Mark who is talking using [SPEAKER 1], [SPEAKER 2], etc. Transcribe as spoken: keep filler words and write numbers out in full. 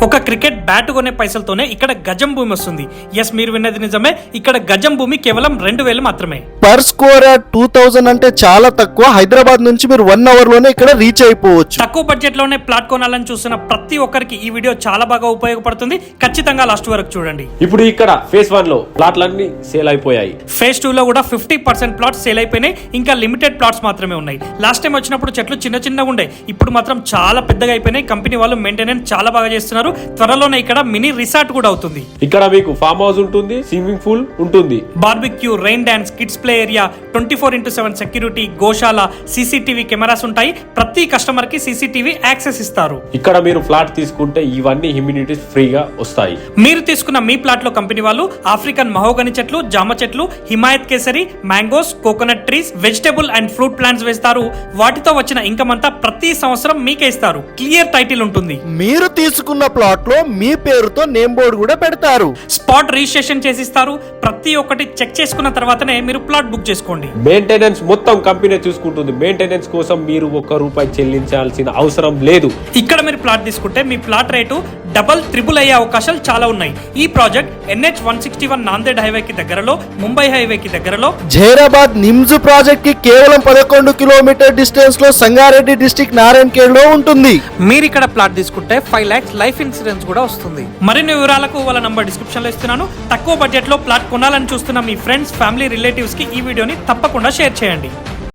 [SPEAKER 1] ఒక cricket bat కొనే పైసలతోనే ఇక్కడ గజం భూమి వస్తుంది. ఎస్, మీరు విన్నది నిజమే. ఇక్కడ గజం భూమి కేవలం రెండు వేలు మాత్రమే.
[SPEAKER 2] Per square yard two thousand అంటే చాలా తక్కువ. హైదరాబాద్ నుంచి మీరు వన్ అవర్ లోనే ఇక్కడ రీచ్ అయిపోవచ్చు.
[SPEAKER 1] తక్కువ బడ్జెట్ లోనే ప్లాట్ కొనాలని చూస్తున్న ప్రతి ఒక్కరికి ఈ వీడియో చాలా బాగా ఉపయోగపడుతుంది. ఖచ్చితంగా లాస్ట్ వరకు చూడండి.
[SPEAKER 3] ఇప్పుడు ఇక్కడ ఫేజ్ వన్ లో ప్లాట్లన్నీ సేల్ అయిపోయాయి.
[SPEAKER 1] ఫేజ్ టూ లో కూడా ఫిఫ్టీ పర్సెంట్ ప్లాట్స్ సేల్ అయిపోయినాయి. ఇంకా లిమిటెడ్ ప్లాట్స్ మాత్రమే ఉన్నాయి. లాస్ట్ టైం వచ్చినప్పుడు చెట్లు చిన్న చిన్నగా ఉండే, ఇప్పుడు మాత్రం చాలా పెద్దగా అయిపోయినాయి. కంపెనీ వాళ్ళు మెయింటెనెన్స్ చాలా బాగా చేస్తున్నారు. త్వరలోనే ఇక్కడ మినీ రిసార్ట్ కూడా అవుతుంది.
[SPEAKER 3] ఇక్కడ మీకు ఫామ్ హౌస్ ఉంటుంది, స్విమ్మింగ్ పూల్ ఉంటుంది,
[SPEAKER 1] barbecue, rain dance, kids play area, twenty four into seven security, గోశాల, సీసీటీవీ కెమెరాస్ ఉంటాయి. ప్రతి కస్టమర్ కి సీసీటీవీ యాక్సెస్ ఇస్తారు.
[SPEAKER 3] ఇక్కడ మీరు ఫ్లాట్ తీసుకుంటే ఇవన్నీ ఇమ్యూనిటీస్ ఫ్రీగా వస్తాయి.
[SPEAKER 1] మీరు తీసుకున్న మీ ప్లాట్ లో కంపెనీ వాళ్ళు ఆఫ్రికన్ మహోగని చెట్లు, జామ చెట్లు, హిమాయత్ కేసరి, mangoes, coconut trees, vegetable and fruit plants వేస్తారు. వాటితో వచ్చిన ఇన్కమ్ అంతా ప్రతి సంవత్సరం మీకే ఇస్తారు. క్లియర్ టైటిల్ ఉంటుంది.
[SPEAKER 2] మీరు తీసుకున్న ప్లాట్ లో మీ పేరుతో నేమ్ బోర్డు కూడా పెడతారు.
[SPEAKER 1] స్పాట్ రిజిస్ట్రేషన్ చేసిస్తారు. ప్రతి ఒక్కటి చెక్ చేసుకున్న తర్వాతనే మీరు ప్లాట్ బుక్ చేసుకోండి.
[SPEAKER 3] మెయింటెనెన్స్ మొత్తం కంపెనీ చూసుకుంటుంది. మెయింటెనెన్స్ కోసం మీరు ఒక్క రూపాయి చెల్లించాల్సిన అవసరం లేదు.
[SPEAKER 1] ఇక్కడ మీరు ప్లాట్ తీసుకుంటే మీ ప్లాట్ రేటు డబల్ త్రిబుల్ అయ్యే అవకాశాలు చాలా ఉన్నాయి. ఈ project NH one sixty one Nanded highway కి దగ్గరలో, ముంబై హైవే కి దగ్గరలో,
[SPEAKER 2] జైరాబాద్ నిమ్స్ ప్రాజెక్ట్ కి కేవలం పదకొండు కిలోమీటర్ డిస్టెన్స్ లో సంగారెడ్డి డిస్ట్రిక్ట్ నారాయణఖేడ్ లో ఉంటుంది.
[SPEAKER 1] మీరు ఇక్కడ ప్లాట్ తీసుకుంటే ఫైవ్ లాక్స్ లైఫ్ ఇన్సూరెన్స్ కూడా వస్తుంది. మరిన్ని వివరాలకు వాళ్ళ నంబర్ డిస్క్రిప్షన్ లో ఇస్తున్నాను. తక్కువ బడ్జెట్ లో ప్లాట్ కొనాలని చూస్తున్న మీ ఫ్రెండ్స్, ఫ్యామిలీ, రిలేటివ్స్ కి ఈ వీడియోని తప్పకుండా షేర్ చేయండి.